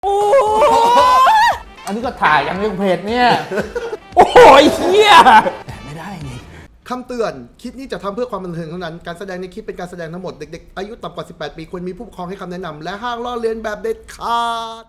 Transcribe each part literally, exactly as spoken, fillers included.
โอ้อันนี้ก็ถ่ายอย่างเรื่องเพจเนี่ย โอ้ยเฮียไม่ได้ไงคำเตือนคลิปนี้จะทำเพื่อความบันเทิงเท่านั้นการแสดงในคลิปเป็นการแสดงทั้งหมดเด็กๆอายุต่ำกว่าสิบแปดปีควรมีผู้ปกครองให้คำแนะนำและห้ามล้อเลียนแบบเด็ดขาด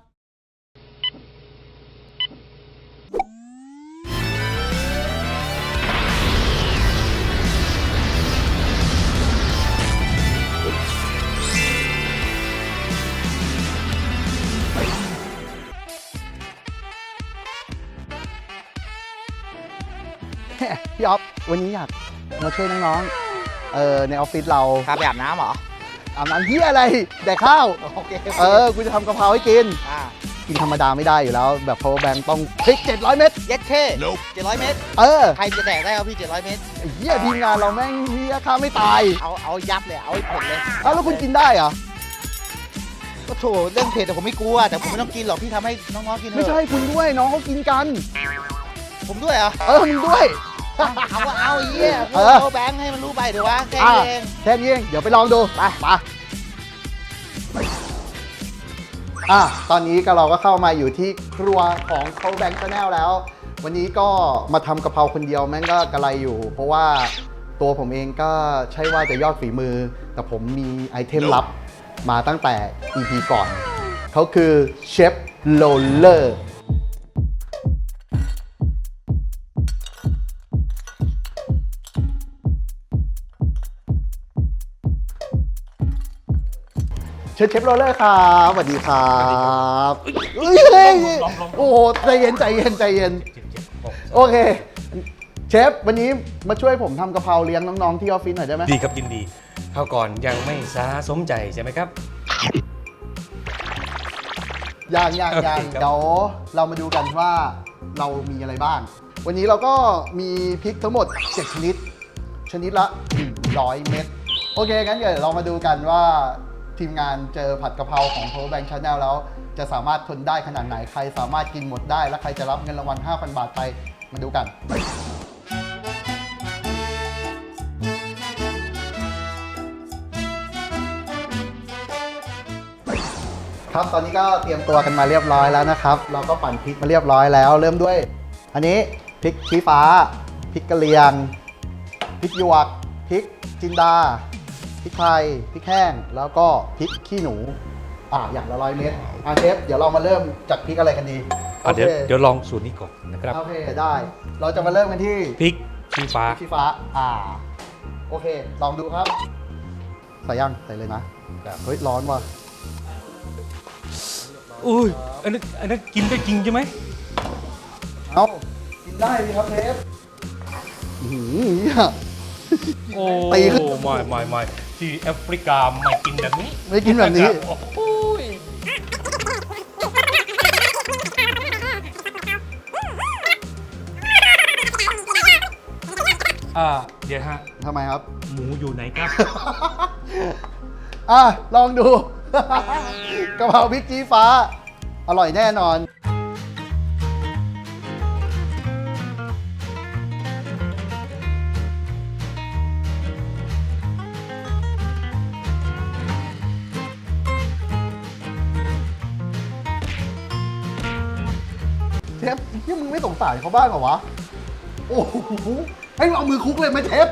พี่อ๊อฟวันนี้อยากมาช่วยน้องๆเออในออฟฟิศเราพาไปอาบน้ำเหรออาบน้ำเหี้ยอะไรแดกข้าวโอเคเออกูจะทำกะเพราให้กินกินธรรมดาไม่ได้อยู่แล้วแบบ power bank ต้องพริกเจ็ดร้อยเมตรเย็ดเท่เจ็ดร้อยเมตรเออใครจะแดกได้ครับพี่เจ็ดร้อยเมตรไอ้เหี้ยทีมงานเราแม่งเหี้ยข้าไม่ตายเอาเอายับเลยเอาให้ผลเลยเอ้าแล้วคุณกินได้เหรอก็โถเรื่องเผ็ดแต่ผมไม่กลัวแต่ผมไม่ต้องกินหรอกพี่ทำให้น้องๆกินเถอะไม่ใช่คุณด้วยน้องเขากินกันผมด้วยเหรอเออมึงด้วยเอาว่าเอาเยี่ยเอาแบงค์ให้มันรู้ไปเดี๋ยววะแค่นี้เองแค่นี้เองเดี๋ยวไปลองดูไปมาอ่ะตอนนี้ก็เราก็เข้ามาอยู่ที่ครัวของเขาแบงค์ชาแนลแล้ววันนี้ก็มาทำกะเพราคนเดียวแม่งก็กระไรอยู่เพราะว่าตัวผมเองก็ใช่ว่าจะยอดฝีมือแต่ผมมีไอเทมลับมาตั้งแต่ อี พี ก่อนเขาคือเชฟโรลเลอร์เชฟเชฟโรลเลอร์ครับสวัสดีครับเฮ้ยโอ้โหใจเย็นใจเย็นใจเย็นโอเคเชฟวันนี้มาช่วยผมทำกะเพราเลี้ยงน้องๆที่ออฟฟิศหน่อยได้ไหมดีครับยินดีเข้าก่อนยังไม่ซาสมใจใช่ไหมครับอย่างอย่างอย่างเดี๋ยวเรามาดูกันว่าเรามีอะไรบ้างวันนี้เราก็มีพริกทั้งหมดเจ็ดชนิดชนิดละหนึ่งร้อยเม็ดโอเคงั้นเดี๋ยวเรามาดูกันว่าทีมงานเจอผัดกะเพราของ Power Bank Channel แล้วจะสามารถทนได้ขนาดไหนใครสามารถกินหมดได้และใครจะรับเงินรางวัล ห้าพัน บาทไปมาดูกันครับตอนนี้ก็เตรียมตัวกันมาเรียบร้อยแล้วนะครับเราก็ปั่นพริกมาเรียบร้อยแล้วเริ่มด้วยอันนี้พริกชี้ฟ้าพริกกะเหรี่ยงพริกหยวกพริกจินดาพริกไทยพริกแห้งแล้วก็พริกขี้หนูอ่าอย่างละร้อยเม็ดอ่าเชฟเดี๋ยวเรามาเริ่มจากพริกอะไรกันดีโอเคเดี๋ยวลองสูตรนี้ก่อนนะครับโอเคได้เราจะมาเริ่มกันที่พริกชี้ฟ้าพริกชี้ฟ้าอ่าโอเคลองดูครับใส่ยังใส่เลยนะเฮ้ยร้อนว่ะอุ้ยอันนั้นอันนั้นกินได้จริงใช่ไหมเอากินได้ดีครับเชฟหืมโอ้ไม่ไม่ไม่ที่แอฟริกาไม่กินแบบนี้ไม่กินแบบนี้โอ้ยอ่าเดี๋ยวฮะทำไมครับหมูอยู่ไหนครับอ่ะลองดูกะเพราพริกชี้ฟ้าอร่อยแน่นอนเชฟที่มึงไม่สงสารเขาบ้างเหรอวะโอ้โหให้เอามือคุกเลยไหมเชฟ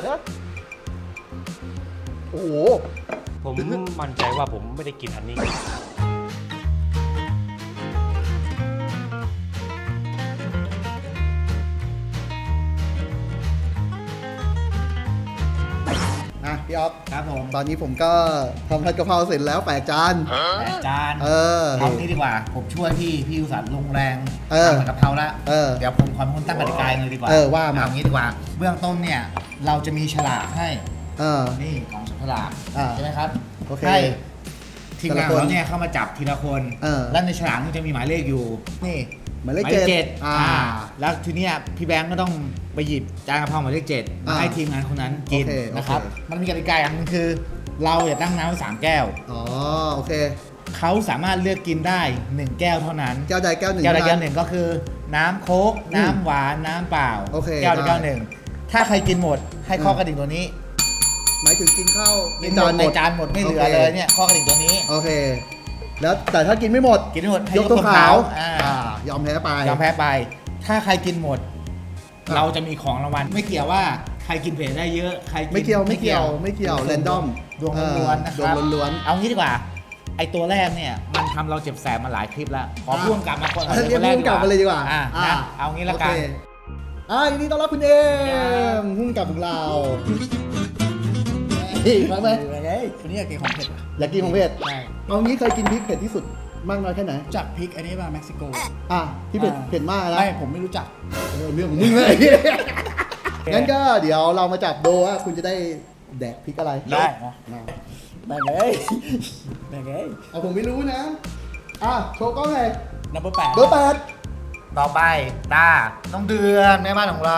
โอ้โหผมมั่นใจว่าผมไม่ได้กินอันนี้นะพี่อ๊อฟครับผมตอนนี้ผมก็ทำผัดกะเพราเสร็จแล้วแปดจานแปดจานเออเอานี้ดีกว่าผมช่วยพี่พี่อุตส่าห์ลงแรงทำผัดกะเพราแล้วเดี๋ยวผมขอเป็นคนตั้งกติกาเลยดีกว่าเออว่ามาอย่างนี้ดีกว่าเบื้องต้นเนี่ยเราจะมีฉลากให้นี่ของฉลากใช่ไหมครับให้ทีมงานเราเนี่ยเข้ามาจับทีละคนแล้วในฉลากมันจะมีหมายเลขอยู่นี่หมายเลขเจ็ดอ่าแล้วทีเนี้ยพี่แบงก์ก็ต้องไปหยิบจานกะเพราหมายเลขเจ็ดมาให้ทีมงานคนนั้นกินนะครับมันมีกติกาอย่างนึงคือเราอย่าตั้งน้ำไว้สามแก้วอ๋อโอเคเขาสามารถเลือกกินได้หนึ่งแก้วเท่านั้นแก้วใดแก้วหนึ่งแก้วใดแก้วหนึ่งก็คือน้ำโค้กน้ำหวานน้ำเปล่าแก้วใดแก้วหนึ่งถ้าใครกินหมดให้ข้อกระดิ่งตัวนี้หมายถึงกินข้าวในจานในจานหมดไม่เหลือเลยเนี่ยข้อกระดิ่งตัวนี้โอเคแล้วแต่ถ้ากินไม่หมดกินไม่หมดให้ยกตัวขาวอ่าอ่ายอมแพ้ไปยอมแพ้ไป ถ้าใครกินหมด เราจะมีของรางวัลไม่เกี่ยวว่าใครกินเผ็ดได้เยอะใครกินไม่เกี่ยวไม่เกี่ยวไม่เกี่ยวแรนดอมดวงล้วนๆนะคดวรับงล้วนเอางี้ดีกว่า ไอตัวแรกเนี่ยมันทำเราเจ็บแสบมาหลายคลิปแล้ว ขออ่าพ่วงกลับมาคนๆเรียกพุ่งกลับมาเลยดีกว่าอ่าอ่านะเอางี้ละกันโอเคอ่ายินดีต้อนรับคุณเอมพุ่งกลับของเราอีกไหมเฮ้ยคนนี้อยากกินของเผ็ดอยากกินของเผ็ดใช่เอางี้เคยกินพริกเผ็ดที่สุดมากน้อยแค่ไหนจากพริกอันนี้มาเม็กซิโกอ่ะที่เผ็ดอ่าเผ็ดมากนะไม่ผมไม่รู้จักเออเรื่องของมึงเลยงั้นก็เดี๋ยวเรามาจับโดว่าคุณจะได้แดกพริกอะไรได้มาแบ่งเลยแบ่งเลยเอาผมไม่รู้นะ อ่ะโชว์กล้องไงนับเบอร์แปดเบอร์แปดต่อไปตาน้องเดือนแม่บ้านของเรา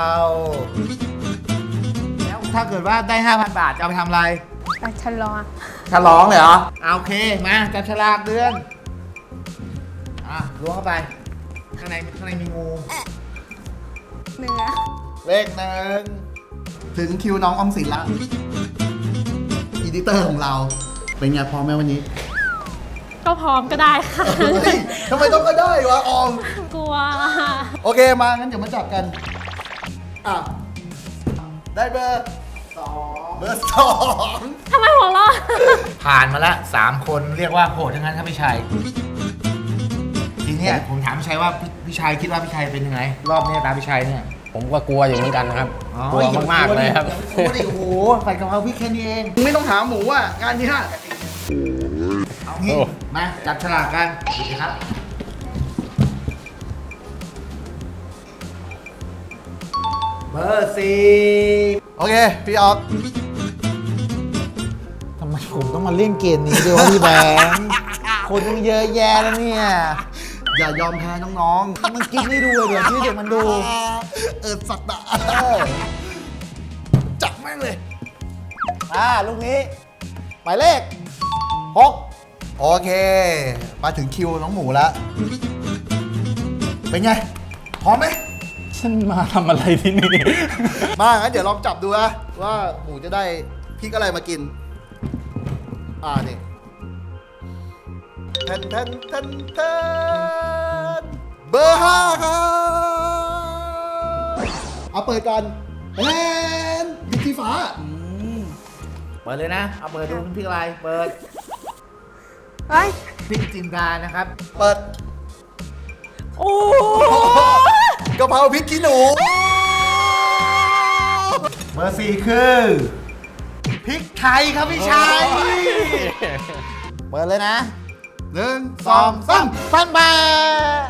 แล้วถ้าเกิดว่าได้ ห้าพัน บาทจะเอาไปทำอะไรไปชะลอฉลองเลยเหรอเอาโอเค มาจับฉลากเดือน อ่ะล้วงเข้าไป ข้างในข้างในมีงูเนื้อเลขหนึ่งถึงคิวน้องออมสินละอีดิเตอร์ของเรา เป็นไงพร้อมไหมวันนี้ก็พร้อมก็ได้ค่ะเฮ้ยทำไมต้องก็ได้วะออมกลัวโอเคมางั้นเดี๋ยวมาจับกัน อ่ะ ได้เบอร์สองเบอร์สองทำไมหัวเราะผ่านมาละสามคนเรียกว่าโหดทั้งนั้นครับพี่ชัย ทีเนี้ยผมถามพี่ชัยว่าพี่พี่ชัยคิดว่าพี่ชัยเป็นยังไง รอบเนี้ยตามพี่ชัยเนี่ยผมก็กลัวอยู่เหมือนกันนะครับอ๋อกลัวมากๆเลยครับโอ้โหโอ้โหใส่กะเพราพริกแค่นี้เองไม่ต้องหาหมูอ่ะ งานที่ห้าเอางี้โอ้มาจับฉลากกันดูสิครับ เบอร์สี่โอเค พี่ออฟทำไมผมต้องมาเล่นเกมนี้ด้วยวะพี่แบงค์คนต้องเยอะแยะแล้วเนี่ยอย่ายอมแพ้น้องมันกินไม่ดูเลยเดี๋ยวที่เด็กมันดูๆ เออสัตว์อะจับแม่งเลยอ่าลูกนี้หมายเลขหกโอเค มาถึงคิวน้องหมูแล้ว เป็นไง พร้อมไหมฉันมาทำอะไรที่นี่มางั้นเดี๋ยวลองจับดูนะว่าหมูจะได้พริกอะไรมากิน อ่านี่แทนแทนแทนแทนเบอร์ห้าครับเอาเปิดก่อนแทนบิทีฟ้าเปิดเลยนะ เอาเปิดดูเป็นพริกอะไร เปิดเฮ้ยพริกจินดานะครับเปิดโอ้กะเพราพริกขี้หนูเบอร์สี่คือพริกไทยครับพี่ชัย เปิดเลยนะหนึ่งสสออง งสาสาม มพันบาท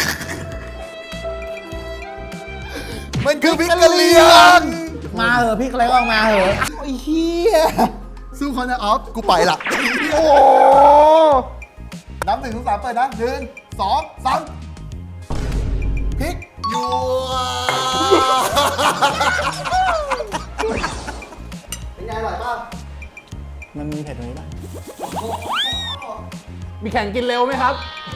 มันคือพริกกะเหรี่ยงมาเหอะพริกอะไรก็ออกมาเหอะไอ้เหี้ยสู้คอนนะออฟ กูไปละโอ้นับหนึ่งถึงสามเปิดนะหนึ่งสองสามพริกหยวเป็นไงอร่อยป่ะมันมีเผ็ดตรงนี้ป่ะมีแข่งกินเร็วไหมครับ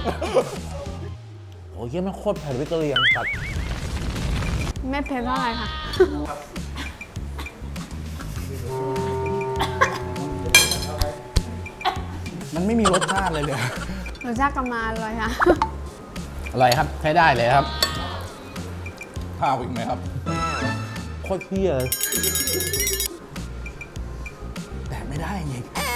โอ้ยเหี้ยมันโคตรเผ็ดวิกเกอเรียงตัดไม่เผ็ดเท่าไหร่ค่ะมันไม่มีรสชาติเลยเลยรสชาติกำมาอร่อยค่ะอร่อยครับใช้ได้เลยครับข้าวอีกไหมครับโคตรเที่ยเลยแต่ไม่ได้ไง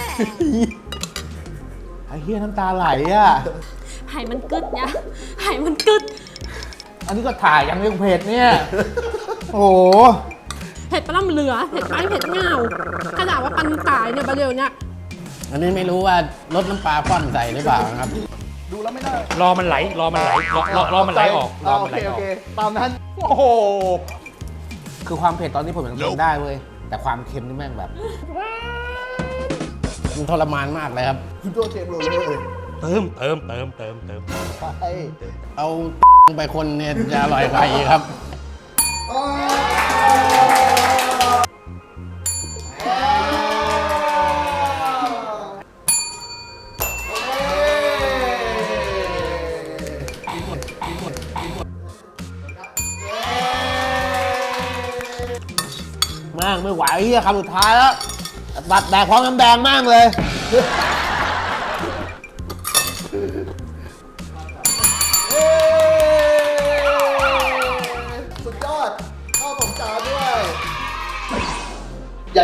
ไอ้เฮียน้ำตาไหลอ่ะไห่มันกึดเนี่ยไห่มันกึดอันนี้ก็ถ่ายยังเรื่องเผ็ดเนี่ย โอ้โหเผ็ดปลาล่ำเหลือ เผ็ดไปเผ็ดเงาขนาดว่าปันตายเนี่ยประเดี๋ยวเนี่ยอันนี้ไม่รู้ว่ารสน้ำปลาฟ่อนใส่หรือเปล่านะครับดูแล้วไม่ได้รอมันไหล รอมันไหล รอรอรอมันไหลออก รอโอมันไหเคลอโออกเค ตามนั้นโอ้โห คือความเผ็ดตอนนี้ผมยังทนได้เว้ย แต่ความเค็มนี่แม่งแบบ มันทรมานมากเลยครับคุณตัวเชฟโรลเลยเติม เติม เติม เติม เติมไปเอา ไปคนเนี่ยจะอร่อยกว่าอีกครับ มากไม่ไหวเฮียคำสุดท้ายแล้วตัดแดกพร้อมน้ำแดงมากเลย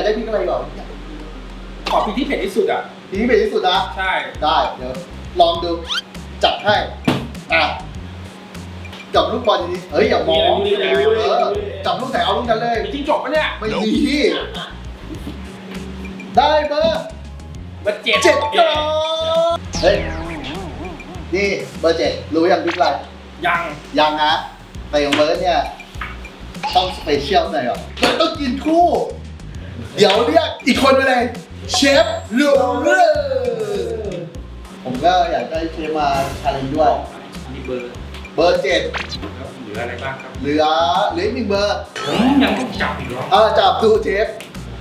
ากได้พริกอะไรก่อนขอพริกที่เผ็ดที่สุดอ่ะพริกที่เผ็ดที่สุดนะใช่ได้เดี๋ยวลองดูจัดให้อ่ะจับลูกบอลดีๆเฮ้ยอย่ามองเออจับลูกไหนเอาลูกนั้นเลยมีจิ้งจกปะเนี่ยไม่มีได้เบอร์เบอร์เจ็ดเจ็ดก่อนเฮ้ยนี่เบอร์เจ็ดรู้ยังพริกอะไรยังยังฮะแต่ของเบิร์ดเนี่ยต้องสเปเชียลหน่อยอ่ะมันต้องกินคู่ เดี๋ยวเรียกอีกคนไปเลยเชฟลูเรอร์ผมก็อยากได้เชฟมาชาเลนจ์ด้วยมีเบอร์เบอร์เจ็ดแล้วเหลืออะไรบ้างครับเหลือเหลืออีกหนึ่งเบอร์ผมยังต้องจับอีกเหรออ่าจับดูเชฟ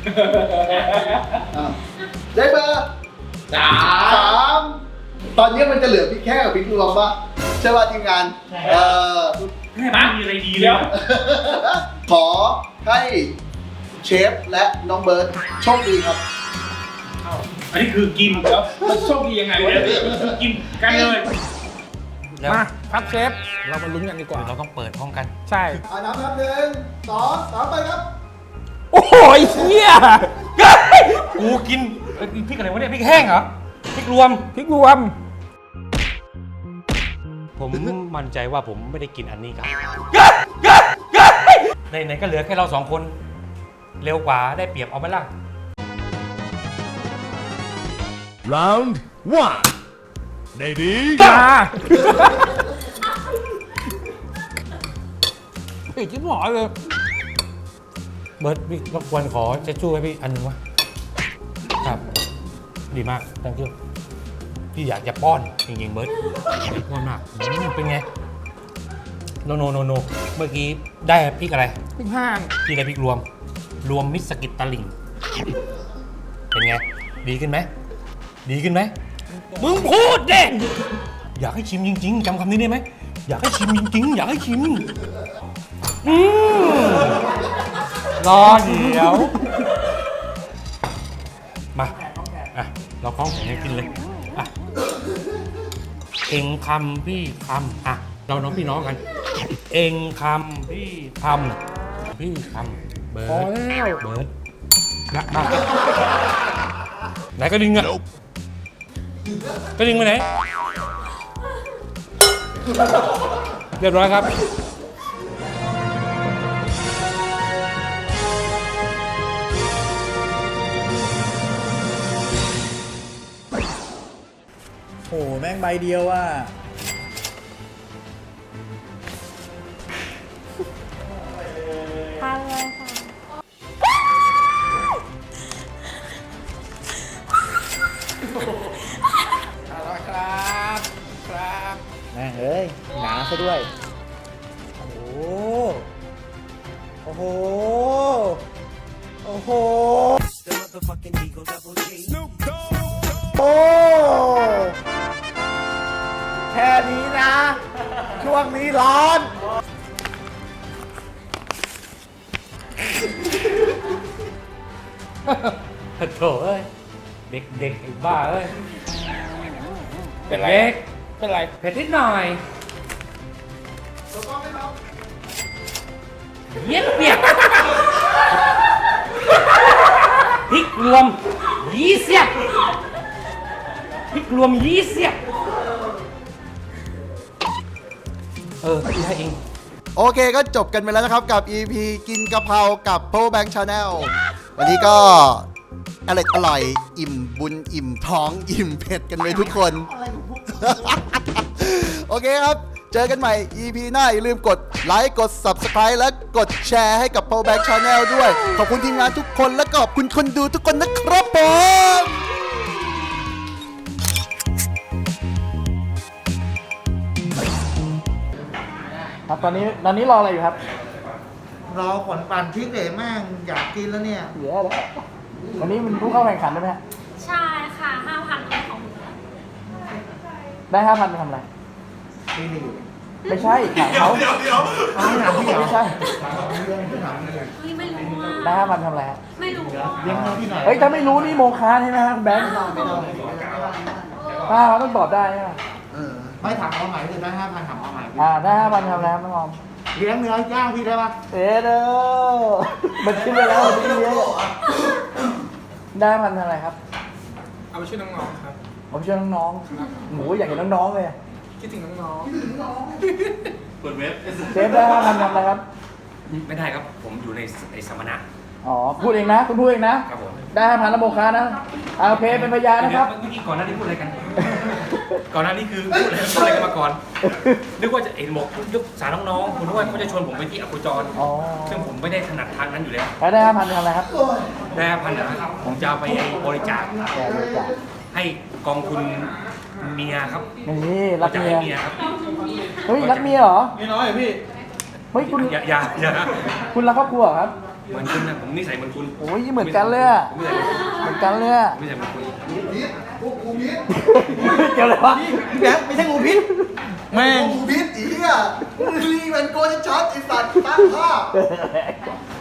อ่ะได้เบอร์สาสามตอนนี้มันจะเหลือพริกแค่กับพริกรวมปะใช่ป่ะทีมงานเออให้มามีอะไรดีแล้วขอให้เชฟและน้องเบิร์ตโชคดีครับอันนี้คือกินแล้วมันโชคดียังไงวะเนี่ยกินกันเลยแล้วมาครับเชฟ เรามาลุ้นกันดีกว่าเราต้องเปิดพร้อมกันใช่อ่านับนับหนึ่งสองสามไปครับโอ้โหไอ้เหี้ยกูกินเอ้ยพริกอะไรวะเนี่ยพริกแห้งเหรอพริกรวมพริกรวมผมมั่นใจว่าผมไม่ได้กินอันนี้ครับในไหนๆก็เหลือแค่เราสองคน เร็วกว่าได้เปรียบเอาไหมล่ะ Round one. Lady. มาอีกที่หมอเลยเบิร์ดพี่รบกวนขอเช็ดชู่ให้พี่อันหนึงวะครับ ดีมาก thank you พี่อยากจะป้อนจริงๆเบิร์ดอยากจะป้อนมากอืมเป็นไงโนโนโนโนเมื่อกี้ได้พริกอะไรพริกห้างพี่ได้พริกรวม รวมมิตรสกิตตะลิ่ง เป็นไง ดีขึ้นไหม ดีขึ้นไหม มึงพูดเด็อยากให้ชิมจริงๆจำคำนี้ได้ไหม อยากให้ชิมจริงๆ อยากให้ชิมอืมรอเดี๋ยว มา อ่ะ เราคล้องแขนให้กินเลย อ่ะ เองคำพี่คำอ่ะ เราน้องพี่น้องกัน เองคำพี่คำพี่คำเบิร์พอดแล้วเบิร์ดนะมาไหนก็ดึงอ่ะก็ดึงไปไหน เรียบร้อยครับโอ้โหแม่งใบเดียวอ่ะทานเลยค่ะอร่อยครับ ครับแม่งเอ้ย หนาซะด้วยโอ้โห โอ้โห โอ้โหโอ้ แค่นี้นะ ช่วงนี้ร้อนโถเอ้ย เด็กเด็กไอ้บ้าเอ้ยเป็นไรเด็กเป็นไรเผ็ดนิดหน่อยเย็นเปียกพริกรวมยี่เสียบพริกรวมยี่เสียบเออพี่ให้เองโอเคก็จบกันไปแล้วนะครับกับ อี พี กินกะเพรากับ Power Bank Channel วันนี้ก็อร่อยอร่อยอิ่มบุญอิ่มท้องอิ่มเผ็ดกันไปทุกคน โอเคครับ เจอกันใหม่ อี พี หน้าอย่าลืมกดไลค์กด Subscribe และกดแชร์ให้กับ Power Bank Channel ด้วย ขอบคุณทีมงานทุกคนและขอบคุณคนดูทุกคนนะครับผมครับตอนนี้ตอนนี้รออะไรอยู่ครับรอผลปั่นพริกเดแม่งอยากกินแล้วเนี่ยเหลือแล้ววันนี้มันผู้เข้าแข่งขันได้ไหมฮะใช่ค่ะห้าพันของหนูได้ห้าพันไปทำอะไร ไม่ใช่ถามเขาไม่ใช่เฮ้ยไม่รู้ว่าได้ห้าพันทำอะไรฮะไม่รู้ว่าเลี้ยงน้องพี่หน่อยเฮ้ยถ้าไม่รู้นี่โมฆะใช่ไหมฮะคุณแบงค์ป้าต้องตอบได้ใช่ไหมเออ ไม่ถามเอาใหม่เลยได้ห้าพันถามเอาใหม่อ่าได้ห้าพันทำอะไรครับน้องออมเลี้ยงเนื้อย่างพี่ได้ปะเอ๊ะเด้อมันคิดไปแล้วมันคิดเลี้ยงได้พันอะไรครับเอาไปช่วยน้องๆครับผมช่วยน้องๆหมูอยากเห็นน้องๆเลยคิดถึงน้องเปิดเว็บเชฟได้ห้าพันทำอะไรครับไม่ได้ครับ ผมอยู่ในในสัมมนาอ๋อ พูดเองนะ คุณพูดเองนะครับผมได้ห้าพันแล้วโมคานะเอาโอเคเป็นพยานนะครับเมื่อกี้ก่อนหน้านี้พูดอะไรกัน ก่อนหน้านี้คือพูดอะไรพูดอะไรกันมาก่อน นึกว่าจะเอ็นบอกยกสารน้องๆคุณนึกว่าเขาจะชวนผมไปที่อโคจรอ๋อซึ่งผมไม่ได้ถนัดทางนั้นอยู่แล้วแล้วได้ห้าพันทำอะไรครับได้พันนะครับผมจะเอาไปบริจาคแกบริจาคให้กองทุนเมียครับนี่รักจะเมีให้ยเมียครับเฮ้ยรักเมียเหรอๆนี่น้อยเหรอพี่เฮ้ยคุณอย่าอย่าอย่าคุณรักครอบครัวเหรอครับเหมือนคุณนะผมนิสัยเหมือนคุณโอ้ยเหมือนกันเลยอะผมนิสัยเหมือนคุณเหมือนกันเลยอะผมนิสัยเหมือนคุณเกี่ยวอะไรวะพี่แบงค์ไม่ใช่งูพิษแม่งงูพิษอีเหี้ยรีมันโกจะช็อตไอ้สัตว์ตั้งภาพ